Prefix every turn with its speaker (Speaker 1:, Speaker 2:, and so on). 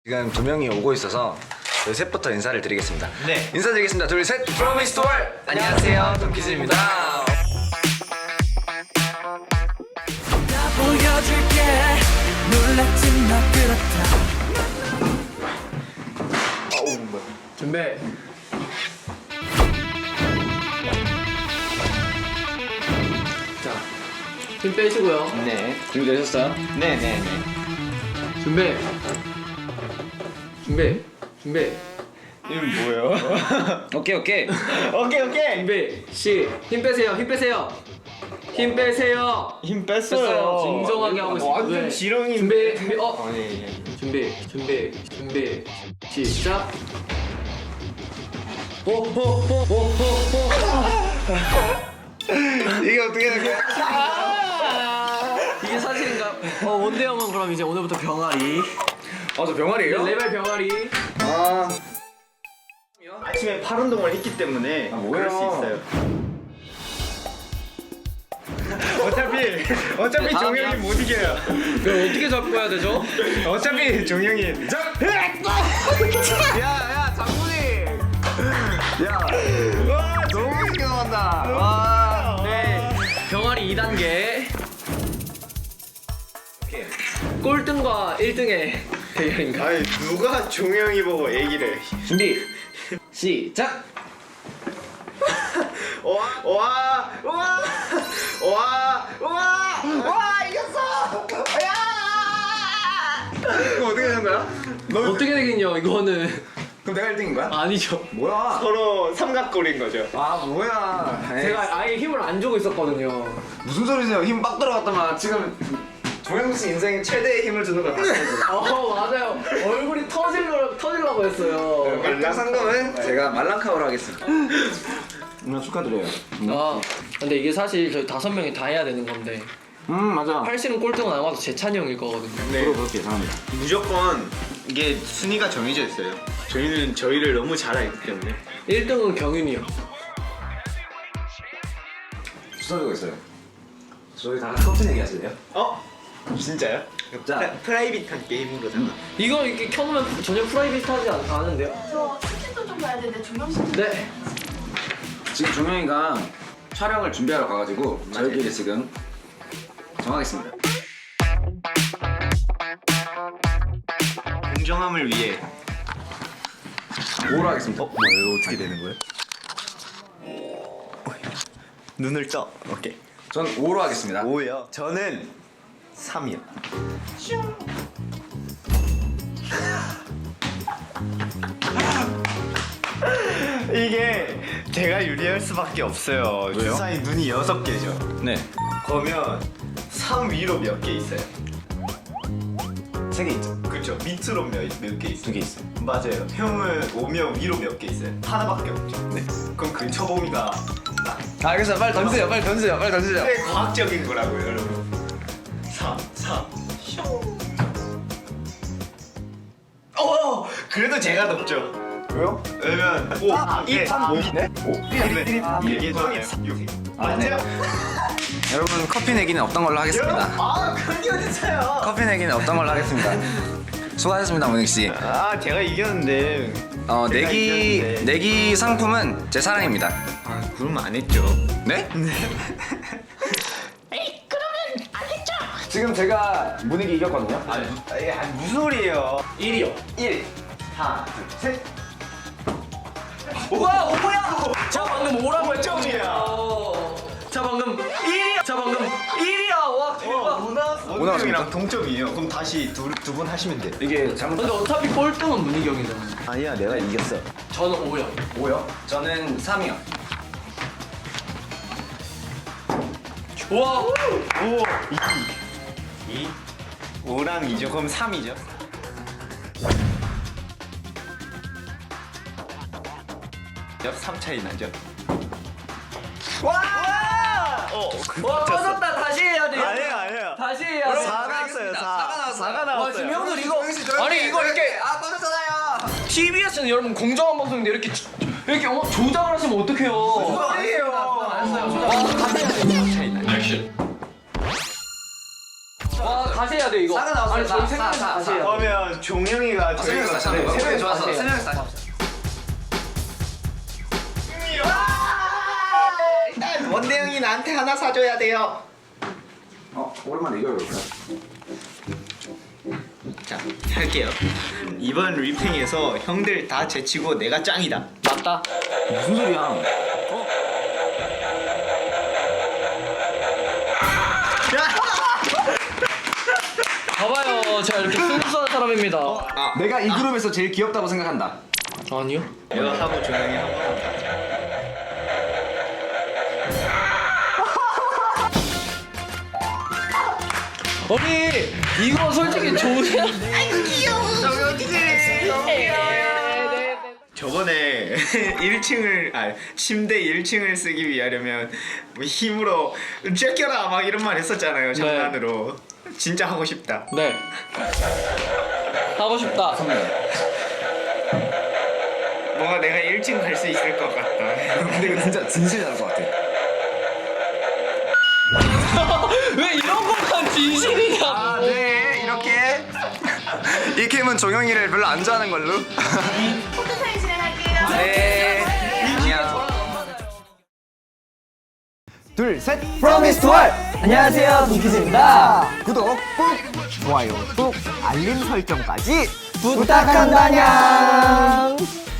Speaker 1: 지금 두 명이 오고 있어서 저희 셋부터 인사를 드리겠습니다.
Speaker 2: 네.
Speaker 1: 인사드리겠습니다. 둘, 셋. 프로미스 투 월. 안녕하세요, 돈키즈입니다.
Speaker 3: 보여줄게 놀랍진 나 그렇다.
Speaker 2: 준비. 자, 힘 빼시고요.
Speaker 1: 네. 준비되셨어요?
Speaker 2: 네네네. 준비. 준비. 준비.
Speaker 4: 이건 뭐예요?
Speaker 1: 오케이.
Speaker 4: 오케이.
Speaker 2: 준비. 힘 빼세요. 힘 빼세요. 힘 빼세요.
Speaker 4: 힘 뺐어요.
Speaker 2: 진정하게 하고 있어요.
Speaker 4: 완전
Speaker 2: 네.
Speaker 4: 지렁이.
Speaker 2: 준비.
Speaker 4: 아니.
Speaker 2: 준비. 시작.
Speaker 1: 이게 어떻게 된 거야?
Speaker 2: 이게 사실인가? 원대 형은 그럼 이제 오늘부터 병아리.
Speaker 1: 저 병아리예요?
Speaker 2: 레벨 병아리.
Speaker 1: 아,
Speaker 4: 아침에 팔 운동을 했기 때문에
Speaker 1: 뭐야.
Speaker 4: 그럴 수 있어요. 어차피 종영이 못 이겨요.
Speaker 2: 그럼 어떻게 잡고 해야 되죠?
Speaker 4: 어차피 종영이.
Speaker 2: 야, 장군이.
Speaker 4: 와 너무 쉽게 나간다. 와.
Speaker 2: 네. 병아리 2단계. 꼴등과 1등의 대결인가?
Speaker 4: 아니 누가 종영이 보고 얘기를?
Speaker 2: 준비. 시작.
Speaker 4: 와 이겼어.
Speaker 1: 이거 어떻게 되는 거야?
Speaker 2: 어떻게 되겠냐 이거는.
Speaker 1: 그럼 내가 1등인 거야?
Speaker 2: 아니죠.
Speaker 1: 뭐야?
Speaker 4: 서로 삼각골인 거죠.
Speaker 1: 아, 뭐야? 에이,
Speaker 2: 제가 아예 힘을 안 주고 있었거든요.
Speaker 1: 무슨 소리세요? 힘 빡 들어갔더만 지금 종영 씨 인생의 최대의 힘을 주는 거 같아요.
Speaker 2: 맞아요. 얼굴이 터지려고 했어요.
Speaker 1: 일단 상금은 제가 말랑카우로 하겠습니다. 축하드려요.
Speaker 2: 근데 이게 사실 저희 5명이 다 해야 되는 건데
Speaker 1: 맞아.
Speaker 2: 팔씨름 꼴등은 아마도 재찬이 형일 거거든요.
Speaker 1: 저도 그렇게 예상합니다.
Speaker 4: 무조건 이게 순위가 정해져 있어요. 저희는 저희를 너무 잘 알기 때문에.
Speaker 2: 1등은 경윤이 형.
Speaker 1: 주사위가 있어요. 저희 다 커튼 얘기하실래요?
Speaker 4: 진짜요?
Speaker 1: 자,
Speaker 4: 프라이빗한 게임으로다가.
Speaker 2: 이거 이렇게 켜놓으면 전혀 프라이빗하지 않은데요?
Speaker 5: 저 치킨도 좀 봐야 되는데 종영 씨.
Speaker 2: 네.
Speaker 1: 지금 종영이가 촬영을 준비하러 가가지고 저희끼리 지금 정하겠습니다.
Speaker 4: 공정함을 위해.
Speaker 1: 5로 하겠습니다.
Speaker 4: 뭐예요? 어떻게 되는 거예요? 눈을 떠. 오케이.
Speaker 1: 전 5로 하겠습니다.
Speaker 4: 5요. 저는 3이요. 이게 제가 유리할 수밖에 없어요.
Speaker 1: 왜요?
Speaker 4: 주사위 눈이 6개죠.
Speaker 1: 네.
Speaker 4: 그러면 3 위로 몇 개 있어요?
Speaker 1: 3개 있죠.
Speaker 4: 그렇죠. 밑으로 몇 개 있어요?
Speaker 1: 2개 있어요.
Speaker 4: 맞아요. 형은 오면 위로 몇 개 있어요? 하나밖에 없죠.
Speaker 1: 네.
Speaker 4: 그럼 근처범위가
Speaker 1: 알겠어요. 빨리 던지세요. 빨리 던지세요.
Speaker 4: 네, 과학적인 거라고요, 여러분. 4. 그래도 제가 높죠.
Speaker 1: 왜요?
Speaker 4: 왜냐면 5, 2, 3, 5. 네? 5, 1, 이게 저 6. 맞죠?
Speaker 1: 여러분 커피 내기는 없던 걸로 하겠습니다.
Speaker 4: 그런 게 어딨어요?
Speaker 1: 커피 내기는 없던 걸로 하겠습니다. 수고하셨습니다, 모닝 씨.
Speaker 4: 제가 이겼는데. 제가 이겼는데.
Speaker 1: 내기 상품은 제 사랑입니다.
Speaker 4: 그러면 안 했죠.
Speaker 1: 네? 지금 제가 모닝이 이겼거든요.
Speaker 4: 무슨 소리예요?
Speaker 2: 1위요.
Speaker 1: 1.
Speaker 4: 하나, 둘, 셋.
Speaker 2: 우와, 뭐야? 저 방금 5라고 했죠?
Speaker 4: 점이야.
Speaker 2: 자, 방금 1위야. 와, 대박.
Speaker 4: 오늘
Speaker 1: 나왔습니까?
Speaker 4: 형이랑 동점이에요. 그럼 다시 두 분 하시면 돼.
Speaker 1: 이게 잘못.
Speaker 2: 근데 어차피 꼴등은 문희경이잖아.
Speaker 4: 아니야, 내가 이겼어.
Speaker 2: 저는 5요.
Speaker 1: 5요? 저는 3이요.
Speaker 2: 우와.
Speaker 4: 5, 2, 5랑 2죠. 그럼 3이죠. 역 3 차이 나죠.
Speaker 2: 와, 빠졌다. 다시 해야 돼.
Speaker 4: 아니에요.
Speaker 2: 다시 해야 돼.
Speaker 4: 4 나왔어요. 4가 나왔어요.
Speaker 2: 와, 지금 형들 이거 아니 이거 이렇게
Speaker 1: 빠졌잖아요.
Speaker 2: TBS는 여러분 공정한 방송인데 이렇게 조작을 하시면 어떡해요?
Speaker 4: 아니에요.
Speaker 2: 알았어요. 조작.
Speaker 4: 차이 나죠.
Speaker 2: 와, 다시 해야 돼 이거.
Speaker 1: 사가 나왔어요.
Speaker 2: 아니 저희
Speaker 1: 사,
Speaker 2: 생각해서
Speaker 1: 사,
Speaker 2: 다시
Speaker 1: 사.
Speaker 2: 해야 돼.
Speaker 4: 그러면 종영이가
Speaker 1: 세 명이서 다시 하는
Speaker 2: 네,
Speaker 1: 거야.
Speaker 2: 세 명이서
Speaker 1: 좋았어.
Speaker 2: 다시
Speaker 1: 세
Speaker 2: 해요.
Speaker 1: 명이서 다시 합시다.
Speaker 4: 원대 형이 나한테 하나 사줘야 돼요.
Speaker 1: 오랜만에 이걸 볼까?
Speaker 4: 자, 할게요. 이번 리팽에서 형들 다 제치고 내가 짱이다.
Speaker 2: 맞다.
Speaker 1: 무슨 소리야?
Speaker 2: 봐봐요, 제가 이렇게 순수한 사람입니다.
Speaker 1: 내가 이 그룹에서 제일 귀엽다고 생각한다.
Speaker 2: 아니요.
Speaker 4: 이거 하고 종영이 한 번.
Speaker 2: 아니 이거 솔직히 좋으세요?
Speaker 4: 저번에 1층을 침대 1층을 쓰기 위하려면 뭐 힘으로 쬐껴라 막 이런 말 했었잖아요. 장난으로. 진짜 하고 싶다.
Speaker 2: 네. 하고 싶다.
Speaker 4: 뭔가 내가 1층 갈 수 있을 것 같다.
Speaker 1: 근데 이거 진짜 진실이 나올 것 같아.
Speaker 2: 왜 이런 것만 진실이냐고.
Speaker 1: 아, 네, 이렇게 이 캠은 종영이를 별로 안 좋아하는 걸로.
Speaker 5: 포토 사진 진행할게요.
Speaker 1: 네, 안녕. 둘, 셋.
Speaker 2: Promise to all. 안녕하세요, 동키즈입니다.
Speaker 1: 구독 꾹, 좋아요 꾹, 알림 설정까지
Speaker 2: 부탁한다냥.